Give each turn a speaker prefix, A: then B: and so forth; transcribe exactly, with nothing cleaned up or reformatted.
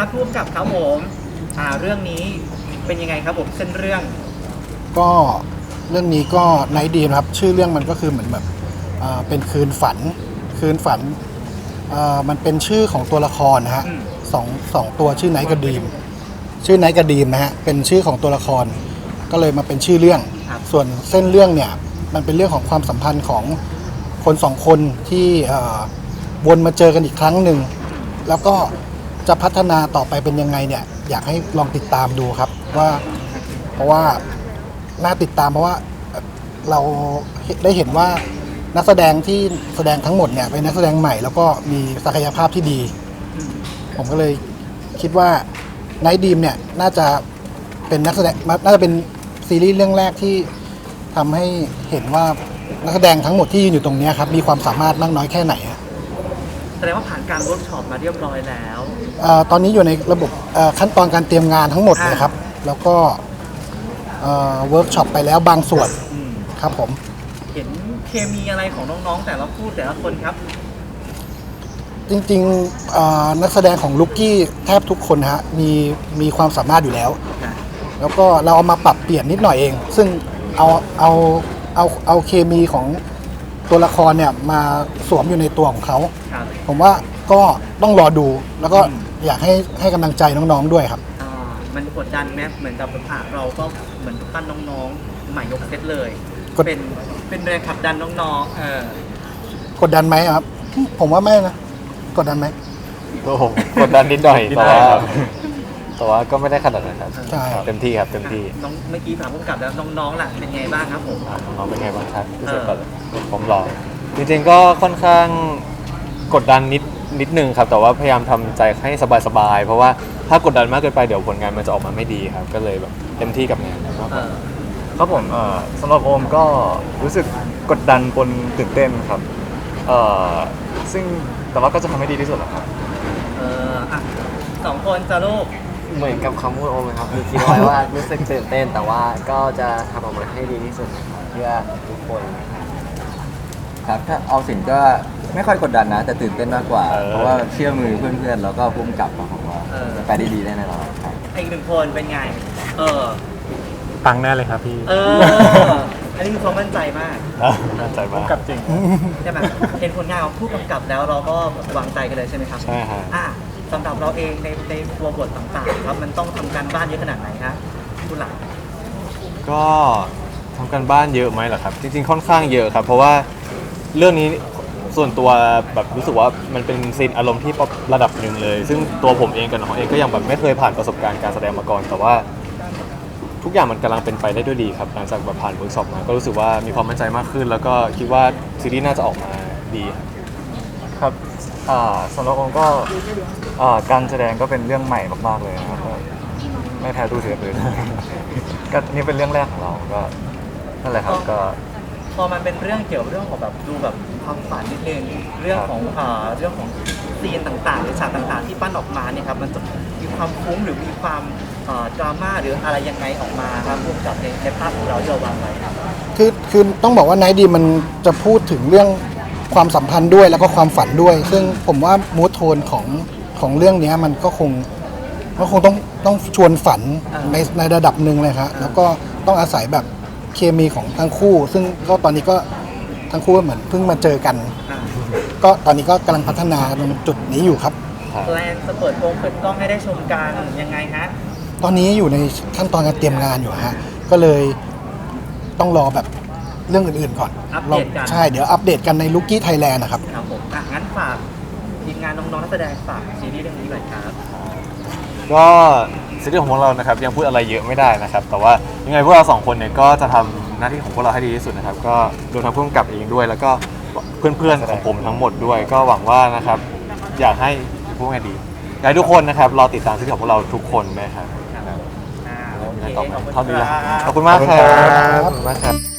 A: ครับผู้กำกับครับผมอ่าเรื่องนี้เป็นยังไงครับผมเส้นเรื่อง
B: ก็เรื่องนี้ก็ไนท์ดีนะครับชื่อเรื่องมันก็คือเหมือนแบบอ่าเป็นคืนฝันคืนฝันอ่ามันเป็นชื่อของตัวละครนะฮะสองสองตัวชื่อไนท์กับดีมชื่อไนท์กับดีมนะฮะเป็นชื่อของตัวละครก็เลยมาเป็นชื่อเรื่องส่วนเส้นเรื่องเนี่ยมันเป็นเรื่องของความสัมพันธ์ของคนสองคนที่วนมาเจอกันอีกครั้งหนึ่งแล้วก็จะพัฒนาต่อไปเป็นยังไงเนี่ยอยากให้ลองติดตามดูครับว่าเพราะว่าน่าติดตามเพราะว่าเราได้เห็นว่านักแสดงที่แสดงทั้งหมดเนี่ยเป็นนักแสดงใหม่แล้วก็มีศักยภาพที่ดีผมก็เลยคิดว่าไนท์ดีมเนี่ยน่าจะเป็นนักแสดงน่าจะเป็นซีรีส์เรื่องแรกที่ทำให้เห็นว่านักแสดงทั้งหมดที่ยืนอยู่ตรงนี้ครับมีความสามารถมากน้อยแค่ไหน
A: แสดงว่าผ่านการเวิร์กช็อปมาเรียบร้อยแล้ว
B: ตอนนี้อยู่ในระบบขั้นตอนการเตรียมงานทั้งหมดเลยครับแล้วก็เวิร์กช็อปไปแล้วบางส่วนครับผม
A: เห็นเคมีอะไรของน้องๆแต่ละคู่แต่ละคนครับ
B: จริงๆนักแสดงของลุกกี้แทบทุกคนฮะมีมีความสามารถอยู่แล้วแล้วก็เราเอามาปรับเปลี่ยนนิดหน่อยเองซึ่งเอาเอาเอาเอาเคมีของตัวละครเนี่ยมาสวมอยู่ในตัวของเขาผมว่าก็ต้องรอดูแล้วก็อยากให้ให้กำลังใจน้องๆด้วยครับ
A: มันกดดันไหมเหมือนกับอ่ะเราก็เหมือนปั้นน้องๆใหม่ยกเซตเลยเป็นเป็นแรงขับดันน้องๆเออก
B: ดดันไหมครับผมว่าไม่นะกดดันไหม
C: โอ้โหกดดันนิดหน่อยแต่ว่าแต่ว่าก็ไม่ได้ขนาดนั้นครับ
B: ใช่
C: เต็มที่ครับเต็มที่
A: น้องเมื่อกี้ถามผู้กำกับแล้วน้องๆล่ะเป็นไงบ้างครับผม
C: น้องเป็นไงบ้างครับที่สุดก่อนผมรอจริงๆก็ค่อนข้างกดดันนิดนิดนึงครับแต่ว่าพยายามทำใจให้สบายๆเพราะว่าถ้ากดดันมากเกินไปเดี๋ยวผลงานมันจะออกมาไม่ดีครับก็เลยแบบเต็มที่กับงานมากกว่า
D: ครับผมสำหรับโอมก็รู้สึกกดดันปนตื่นเต้นครับซึ่งแต่ว่าก็จะทำให้ดีที่สุดแหละครับ
A: เอออ่ะสองคนจะลูก
E: เหมือนกับคำพูดโอมเลยครับมีคิดไว้ว่ารู้สึกตื่นเต้นแต่ว่าก็จะทำออกมาให้ดีที่สุดเพื่อทุกคน
F: ครับถ้าเอาสินก็ไม่ค่อยกดดันนะแต่ตื่นเต้นมากกว่าเพราะว่าเชื่อมือเพื่อนๆแล้วก็พุ่มกลับมาของเราไปได้ดีได้แน่นอนครับ
A: อีกหนึ่งคนเป็นไงเออ
C: ปังแน่เลยครับพี่
A: เอออันนี้คือความมั่นใจมาก
C: มั่นใจมาก
D: กับจริง
A: ใช่ไหมเห็นผลงานของผู้กำกับแล้วเราก็วางใจกันเลยใช่ไหมครับ
C: ใช่ครับ
A: อ่ะสำหรับเราเองในในตัวบทต่างๆครับมันต้องทำการบ้านเยอะขนาดไหนครับผู้หลัก
C: ก็ทำการบ้านเยอะไหมเหรอครับจริงๆค่อนข้างเยอะครับเพราะว่าเรื่องนี้ส่วนตัวแบบรู้สึกว่ามันเป็นซีนอารมณ์ที่ระดับหนึ่งเลยซึ่งตัวผมเองกับน้องเองก็ยังแบบไม่เคยผ่านประสบการณ์การแสดงมาก่อนแต่ว่าทุกอย่างมันกำลังเป็นไปได้ด้วยดีครับหลังจากแบบผ่านเวิร์กช็อปมาก็รู้สึกว่ามีความมั่นใจมากขึ้นแล้วก็คิดว่าซีรีส์น่าจะออกมาดี
D: ครับสำหรับผมก็การแสดงก็เป็นเรื่องใหม่มากๆเลยนะครับไม่แพ้ตู้เสือเลยก็นี่เป็นเรื่องแรกของเราก็นั่นแหละครับก็
A: พอมันเป็นเรื่องเกี่ยวเรื่องของแบบดูแบบความฝันนิดนึงเรื่องของอ่าเรื่องของซีนต่างๆหรือฉากต่างๆที่ปั้นออกมาเนี่ยครับมันจะมีความฟุ้งหรือมีความดราม่าหรืออะไรยังไงออกมาครับพวกกับในในภาพของเราที่เราวางไว้ครับ
B: คือคือต้องบอกว่าไนท์ดีมันจะพูดถึงเรื่องความสัมพันธ์ด้วยแล้วก็ความฝันด้วยซึ่งผมว่ามูทโทนของของเรื่องนี้มันก็คงก็คงต้องต้องชวนฝันในในระดับหนึ่งเลยครับแล้วก็ต้องอาศัยแบบเคมีของทั้งคู่ซึ่งก็ตอนนี้ก็ทั้งคู่เหมือนเพิ่งมาเจอกันก็ตอนนี้ก็กำลังพัฒนาตรงจุดนี้อยู่ครับ
A: แพลนจะเปิดโปงเปิดกล้องให้ได้ชมกันยังไงฮะ
B: ตอนนี้อยู่ในขั้นตอนการเตรียมงานอยู่ฮะก็เลยต้องรอแบบเรื่องอื่นๆก่อน
A: อัปเดตกัน
B: ใช่เดี๋ยวอัปเดตกันในลุกกี้ไทยแลนด์นะครับ
A: ครับผมอ่ะงั้นฝากทีมงานน้องๆนักแสดงฝากซีรีส์เรื่องนี้หน่อยครับ
C: ก็ซีรีส์ของพวกเรานะครับยังพูดอะไรเยอะไม่ได้นะครับแต่ว่ายังไงพวกเราสองคนเนี่ยก็จะทำหน้าที่ของพวกเราให้ดีที่สุดนะครับก็รวมทั้งผู้กำกับเองด้วยแล้วก็เพื่อนๆของผมทั้งหมดด้วยก็หวังว่านะครับอยากให้พูดไงดีอยากให้ทุกคนนะครับรอติดตามซีรีส์ของพวกเราทุกคนนะครับ
A: อ่าโอเค
C: ขอบคุณมากครับขอบคุณมากครับ